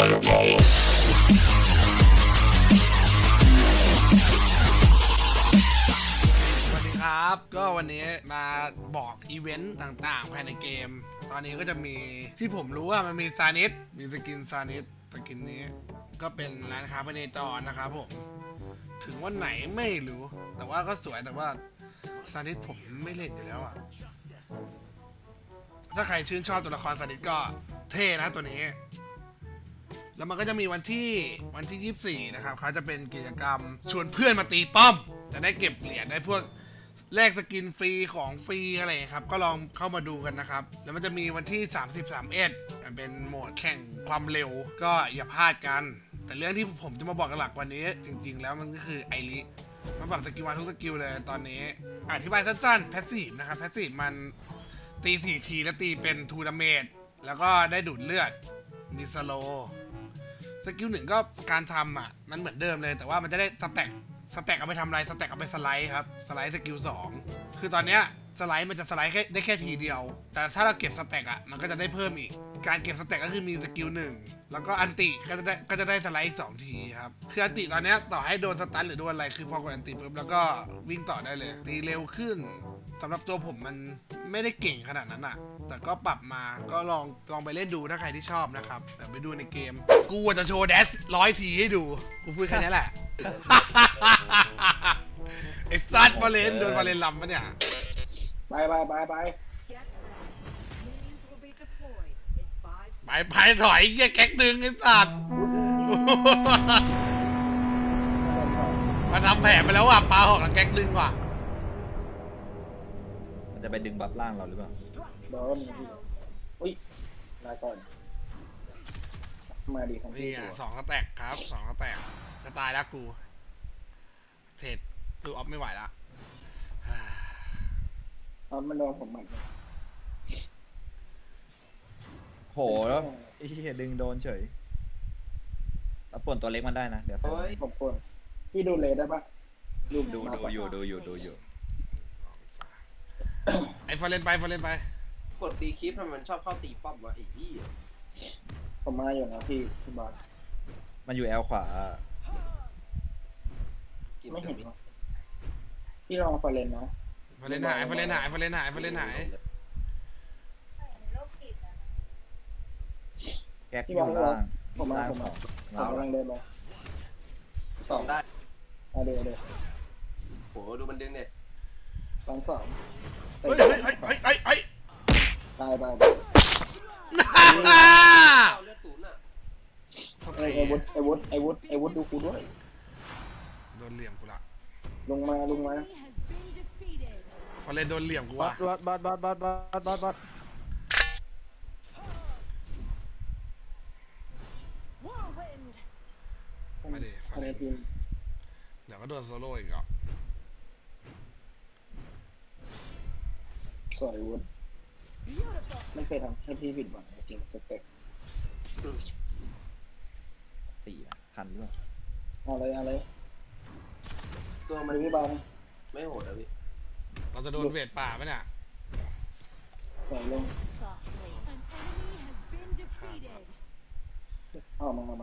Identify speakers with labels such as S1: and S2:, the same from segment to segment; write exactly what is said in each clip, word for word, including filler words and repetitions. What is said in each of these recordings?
S1: ครับก็วันนี้มาบอกอีเวนต์ต่างๆภายในเกมตอนนี้ก็จะมีที่ผมรู้ว่ามันมีซานิสมีสกินซานิสสกินนี้ก็เป็นร้านค้าภายในจอนะครับผมถึงวันไหนไม่รู้แต่ว่าก็สวยแต่ว่าซานิสผมไม่เล่นอยู่แล้วอ่ะถ้าใครชื่นชอบตัวละครซานิสก็เท่นะตัวนี้แล้วมันก็จะมีวันที่วันที่ยี่สิบสี่นะครับเขาจะเป็นกิจกรรมชวนเพื่อนมาตีป้อมจะได้เก็บเหรียญได้พวกแลกสกินฟรีของฟรีอะไรครับก็ลองเข้ามาดูกันนะครับแล้วมันจะมีวันที่สามสิบ สามสิบเอ็ดมันเป็นโหมดแข่งความเร็วก็อย่าพลาดกันแต่เรื่องที่ผมจะมาบอกหลักวันนี้จริงๆแล้วมันก็คือไอริมันปรับสกิลมาทุกสกิลเลยตอนนี้อธิบายสั้นๆแพสซีฟนะครับแพสซีฟมันตีสี่ทีแล้วตีเป็นทูดาเมจแล้วก็ได้ดูดเลือดมีสโลสกิลหนึ่งก็การทำอ่ะมันเหมือนเดิมเลยแต่ว่ามันจะได้สแต็กสแต็กเอาไปทำอะไรสแต็กเอาไปสไลด์ครับสไลด์สกิลสองคือตอนเนี้ยสไลด์มันจะสไลด์แค่ได้แค่ทีเดียวแต่ถ้าเราเก็บสแต็กอ่ะมันก็จะได้เพิ่มอีกการเก็บสแต็กก็คือมีสกิลหนึ่งแล้วก็อันติก็จะได้ก็จะได้สไลด์สองทีครับคืออันติตอนเนี้ยต่อให้โดนสตันหรือโดนอะไรคือพอกดอันติปุ๊บแล้วก็วิ่งต่อได้เลยตีเร็วขึ้นสำหรับตัวผมมันไม่ได้เก่งขนาดนั้นอ่ะแต่ก็ปรับมาก็ลองลองไปเล่นดูถ้าใครที่ชอบนะครับเดี๋ยวไปดูในเกมกูจะโชว์แดชร้อยทีให้ดูกูพูดแค่นี้แหละ ไอ้ซัดฟาเลนโดนฟาเลนลำปะเนี่ย
S2: ไปไปไปไป
S1: ไปไปถอยเงี้ยแก๊กดึงไอ้สัตว์มาทำแผลไปแล้วว่ะปลาหอกแล้วแก๊กดึงว่ะ
S3: มันจะไปดึงบัฟล่างเราหรือเปล่า
S2: โดนอุ้ยลาก่อนมาดีของพี่
S1: นี่อ่ะสองสแต็กครับสองสแต็กจะตายแล้วกูเทรดคือออฟไม่ไหวละ
S2: ตอนมันโดนผมหมัด
S3: โหแล้วไอ้เหี้ยดึงโดนเฉยแล้วป่วนตัวเล็กมันได้นะเดี๋ยว
S2: ผมควรพี่ดูเลยได้ปะ
S3: ดูดูดูอยู่ดูอยู่ดูอยู่
S1: ไอ้ฟาเลนไปฟาเลนไป
S4: กดตีคลิปทำไมมันชอบเข้าตีป้อมวะไอ้ยี่
S2: ผมมาอยู่นะพี่พี่บอส
S3: มันอยู่แอลขวา
S2: ไม่เห็นพี่ลองฟาเลนนะ
S1: ฟาเลนหายฟาเลนหายฟาเลนหายฟาเลนหาย
S3: แก๊กอยู่ล่าง
S2: ผมมาผมมาผมกำลังเดินไป
S4: สองได้
S2: เอาเดี๋ยวเดี๋ยว
S4: โหดูมันดึงเนี่ย
S2: สองสอง
S1: เฮ้ยเฮ้ยเฮ้ยเฮ้ยเฮ้ยเฮ้ย
S2: ตายตาย
S4: เลือดตุ๋นอ่ะ
S2: ไอ้วุฒไอ้วุฒไอ้วุฒไอ้วุฒดูกูด้วย
S1: โดนเหลี่ยมกูละ
S2: ลงมาลงมา
S1: ฟาเลนโดนเหลี่ยมกูว่ะ
S5: บอสบอสบอสบอสบอสบอสบอส
S1: มาดิฟาเลนเดี๋ยวก็โดนโซโล่อีกอ่ะ
S2: สวยวุฒไม่เคยทำให้พี่ผิดหวังจริงสเต็ก
S3: สี่ทันด้วย
S2: อะไรอะไร
S4: ตัวมัน
S2: ไม่บาง
S4: ไม่โหดอะพี่
S1: เราจะโดนเวทป่าไหมเนี่ย
S2: ปล่อยลงเอามามามา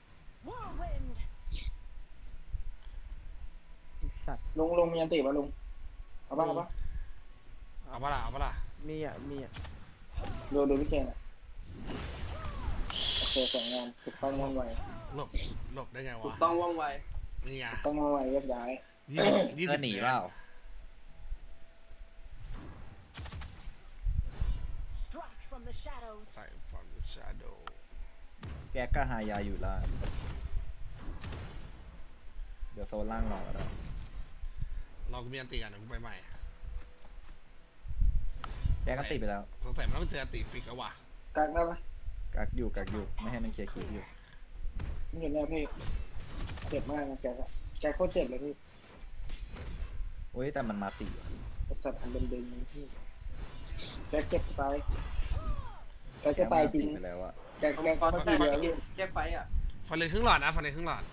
S5: สัตว์
S2: ลงลงมีอันติป่ะลงเอาป่ะเอาป่ะ
S1: เอาป่ะล่ะเอาป่ะล่ะ
S5: มีอ่ะมีอ่ะ
S2: ดูดูพี่เคนอ่ะโอเคสวยงามถูกต้องว่องไว
S1: หลบหลบได้ไงวะ
S4: ถูกต้องว่องไว
S1: นี่ไง
S2: ต้องว่องไวแยกย้าย
S3: ยี่สิบหนีเปล่า
S1: ใส่ from the shadow
S3: แก๊กก็หายาอยู่ล่างเดี๋ยวโซนล่างรอก็ได้
S1: เราก็มีอันติกันเดี๋ยวกูไปใหม่
S3: แก๊กก็ติดไปแล้ว
S1: สงสัยมันต้องเจออันติฟิกแล้วว่ะ
S2: กักได้ปะ
S3: กักอยู่กักอยู่ไม่ให้มันเคลียร์คิวอยู่
S2: ไม่เห็นแล้วพี่เจ็บมากนะแกอะแกโคตรเจ็บเลยพี่
S3: โอ้ยแต่มันมาสี่
S2: สัตว์อันเดิมๆพี่แกเจ็บตายแกจะตายจริง
S3: ไปแล้วอะ
S2: แกแกเขาตายแล้ว
S4: แกไฟอ่ะ
S1: ฟันเลยครึ่งหลอดนะฟันเลยครึ่งหลอด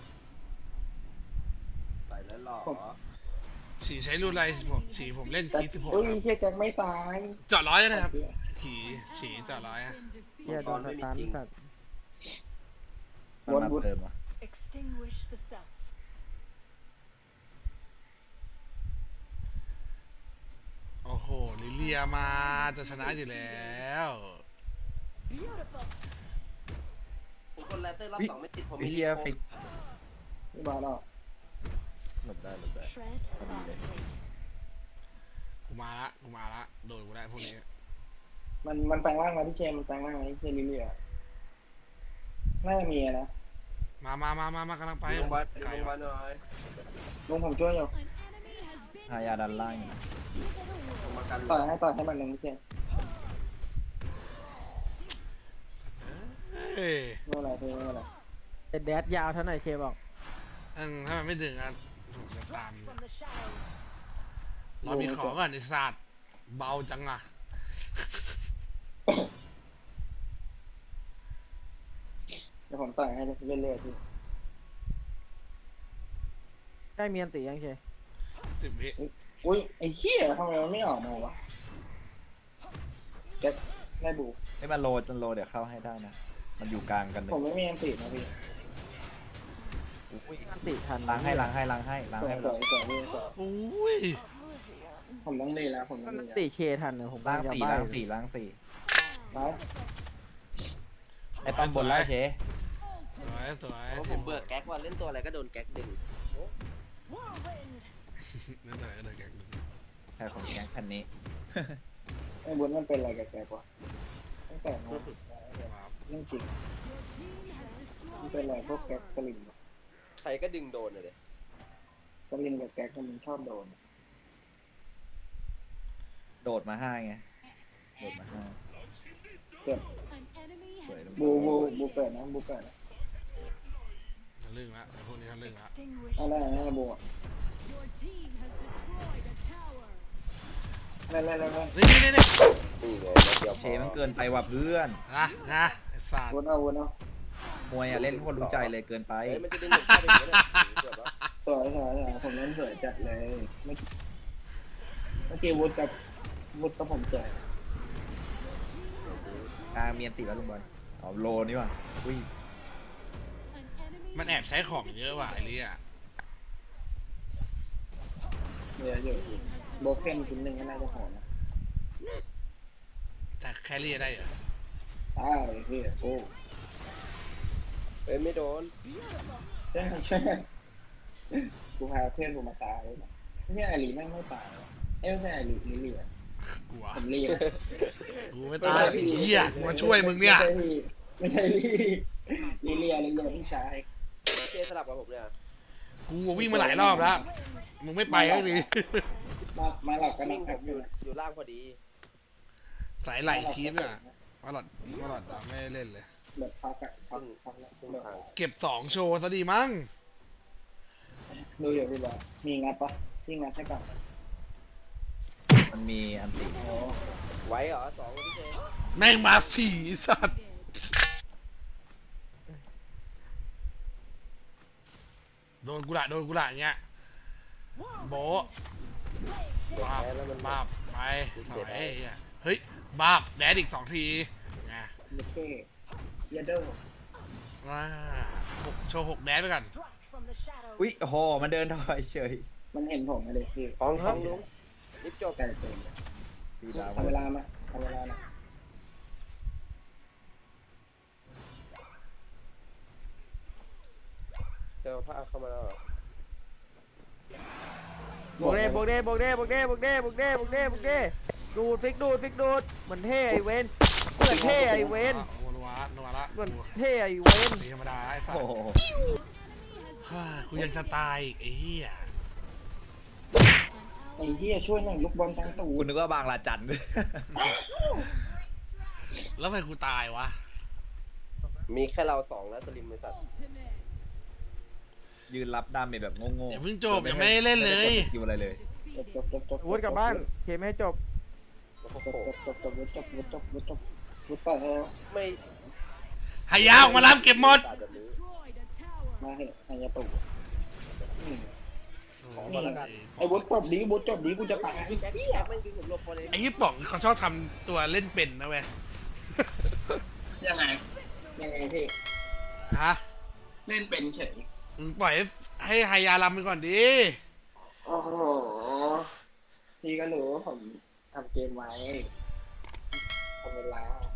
S4: ไปแล้วหรอ
S1: ฉีใช้รูนไรผมฉีผมเล่นคีสิบหก
S2: เฮ้ยเฮียแกไม่ตาย
S1: จอดร้อยนะครับฉีฉีจอดร้อยอะ
S5: เฮียโดนสตาร์ทสัตว์
S3: มัน
S2: วน
S3: มา
S2: วุฒ
S3: เติมอ่ะ
S6: Extinguish the self.
S1: โอ้โหลิเลียมาจะชนะอยู่แล้ว
S6: Beautiful.
S4: ผมกดแลเซอร์รอบสองไม่ติดผม
S3: ไอ้
S4: มี
S3: เหี้ย
S4: โค้
S3: ฟิก
S2: นี่มาแล้ว
S3: หลบได้หลบได้
S6: Tread softly.
S1: กูมาละกูมาละโดนกูได้พวกนี้
S2: มันมันแปลงร่างมาพี่เชมมันแปลงร่างมาพี่เชมลิเลียน่าจะมีนะ
S1: มามามามามากำลังไป
S4: ไปโรงพยาบาล
S1: ไกล
S4: โรงพยาบาล
S1: วะ
S4: หน่อย
S2: ลุงผมช่วยอยู่
S6: An enemy has been
S3: หายาดันล่างอยู่นะ
S4: ผมมากัน
S2: ต่อยให้ต่อยให้มันหนึ่งพี่เชม
S1: เอ้ย
S2: ไม่เป็นไรพี่ไม่เป็นไร
S5: เป็นแดดยาวเท่าไหร่เชฟบอก
S1: อืมถ้ามันไม่ถึงอ่ะถูกจะตาม
S6: from the shadows.
S1: เรามีของก่อนไอ้สัตว์เบาจังอ่ะ
S2: เดี๋ยวผมต่อยให้เรื่อยๆพี่
S5: ได้เมียนตียังเชฟ
S1: สิบวิ
S2: อุ้ยไอ้เหี้ยทำไมมันไม่ออกมาวะแจ็คได้บู
S3: ให้มันโลจนโลเดี๋ยวเข้าให้ได้นะ มันอยู่กลางกันเลย
S2: ผมไม่มีอันติดนะพี่
S3: อุ้ย
S5: อันติทัน
S3: ล้างให้ล้างให้ล้างให้ล้าง
S2: สว
S3: ให้
S2: ย
S3: ไป
S2: ส
S3: เล
S2: วย
S3: ย
S2: สวยพี่สวย
S1: โอ้ย
S2: ผมต้องดีแล้วผมต้
S5: มั
S2: อง
S5: น
S2: ดี
S5: ติเชทันเลยผม
S3: ล้าง
S5: จะ
S3: สี่
S5: บ้
S3: ล้างสี่ล้างสี่
S2: แล้ว
S3: ไอ้ป้อมบนแล้วเช
S1: สวยสวย
S4: เพราะผมเบื่อแก๊กว่าเล่นตัวอะไรก็โดนแก๊กดึง
S6: Whirlwind.
S1: นั่นแต่ก็เลยแกงดึง
S3: แค่ของแก๊งคันนี้
S2: ไอ้บุญมันเป็นอะไรกับแกวะตั้งแต่นู้นเรื่องจริง
S6: Your team has
S2: มัน
S6: destroyed
S2: เป็นอะไร
S6: a
S2: พวกแก๊ก
S6: tower.
S2: สลิม
S4: ใครก็ดึงโดนเลย
S2: สลิมกับแก๊กมันชอบโดน
S3: โดดมาห้าไง โดดมาห้า
S2: เจ็บ
S6: An enemy
S3: Wait a
S6: has
S2: บูบูบูเปิดนะบูเปิดนะ
S1: ทะลึ่งละไอ้พวกนี้ทะลึ่งละ
S6: extinguished.
S2: เอาได้นะบูอ่ะ
S6: Your team has destroyed a tower.
S2: เล่นเล่นเล่นเล่น
S1: นี่นี่นี่นี่
S4: นี่ไงแล้วเดียว
S3: เชมันเกินไปว่ะเพื่อน
S1: นะนะไอ้สัตว์
S2: วนเอาวนเอา
S3: มวยอ่ะเล่นโคตรรู้ใจเลยเกินไป
S4: เฮ้ยมันจะดึงผมเข้าไปอย่างนี้เลยเกือบแล้ว
S2: สวยสวยสวยผมเล่นสวยจัดเลยเมื่อเมื่อกี้วุฒกับวุฒกับผมสวย
S3: กลางเมียนสี่แล้วลุงบอลเอาโลนี่ว่ะอุ้ย
S6: An enemy
S1: มันแอบใช้ของเยอะว่ะไอ้เลี่ย
S2: เยอะเยอะโบเคนชิ้นหนึ่งก็น่าจะโหดนะ
S1: แต่แครี่ได้เหรอ
S2: อ้าวพี่โอ้
S4: เฮ้ยไม่โดน
S2: ใช่ใช่กูพาเพื่อนกูมาตายเลยนะเนี่ยไอรีแม่งไม่ตายเอ้ยไม่ใช่ไอรีลิเลีย
S1: กลัว
S2: ผมรีบ
S1: กูไม่ตายไอ้เหี้ยกูมาช่วยมึงเนี่ย
S2: ไม่ใช่พี่ลิเลียลิเลียพี่ชาย
S4: เจสลับกับผมเนี่ย
S1: กูวิ่งมาหลายรอบแล้ว มึงไม่ไปก็ดี
S2: มามาหลอกกัน
S4: มิ่ง
S2: นะ
S4: ผมอยู่อยู่ล่างพอดี
S1: สายไหลทีมเนี่ยมาหลอดมาหลอดอะไม่เล่นเลย
S2: แบบพักอะพักพักแล้ว
S4: ครึ่งทาง
S1: เก็บสองโชว์ซะดีมั้ง
S2: ดูอยู่พี่บอลมีงัดปะพี่งัดให้กับ
S3: มันมีอันติ
S2: โอ้
S4: ไว้เหรอสองพี่เจ
S1: แม่งมาสี่สัตว์โดนกูละโดนกูละอย่างเงี้ยโบะ
S4: เด็ก
S1: บาบ
S4: แพ้แล้วมัน
S1: บาบไปถอยไอ้เหี้ยเฮ้ยบาบแดดอีกสองทีไง
S2: ยเท่ยเดอร์
S1: ว้าหกโชว์หกแดดไปก่อน
S6: struck from the shadows.
S3: อุ้ยโอ้โหมันเดินถอยเฉย
S2: มันเห็นผมเลยพี่
S4: ท้องท้องลุงรีบจบ
S2: ไก่เต็ม
S3: ตีดาว
S2: ทำเวลามาทำเวลามา
S4: เจอผ้าเข้ามาแล้วเหรอบ
S5: วกเด้บวกเด้บวกเด้บวกเด้บวกเด้บวกเด้บวกเด้บวกเด้ดูดฟิกดูดฟิกดูดเหมือนเท่ไอเวนเหมือนเท่ไอเวน
S1: อ่ะนัวละนัวละ
S5: เหมือนเท่ไอเวน
S1: ตีธรรมดาไอ้สัต
S3: โอ้
S1: ว์
S3: โห
S1: ฮ่ากูยังจะตายอีกไอ้เหี้ย
S2: ไอ้เหี้ยช่วยหน่อยลูกบอลตั้งตู
S3: กู
S2: ด
S3: นึกว่าบางลาจัน
S1: แล้วทำไมกูตายวะ
S4: มีแค่เราสองแล้วสลิมไอ้สัตว์
S6: Ultimate.
S3: ยืนรับดาเมจแบบโง่
S1: อย่า
S3: ๆ
S1: เพิ่งจบยังไม่ได้เล่นเลย
S3: ไม่ได้กดสกิลอะไรเลย
S2: จบจบจบจบ
S5: วุฒกลับบ้านเคไม่ให้จบ
S4: โอ้
S2: จบ
S4: โห
S2: จบจบจบจบจบจบจบจบต่อแล้ว
S4: ไม่
S1: หายาออกมารับเก็บหมด
S4: ตายแบบนี้
S6: Destroyed a tower.
S2: มาเหอะไอ้ยาตูอืม
S1: โอ้ย
S2: ไอ้วุฒจบดีวุฒจบดีกูจะตาย
S4: แก๊กแก๊กไม่ดึงผมหลบพอเลย
S1: ไอ้ยี่ป๋องเขาชอบทำตัวเล่นเป็นนะเว้ย
S2: ยังไงยังไงพี่
S1: ฮะ
S2: เล่นเป็นเฉย
S1: มึงปล่อยให้ให้ไฮยาลำไปก่อนดิ
S2: โอ้โหพี่ก็รู้ว่าผมทำเกมไว้ทำเวลา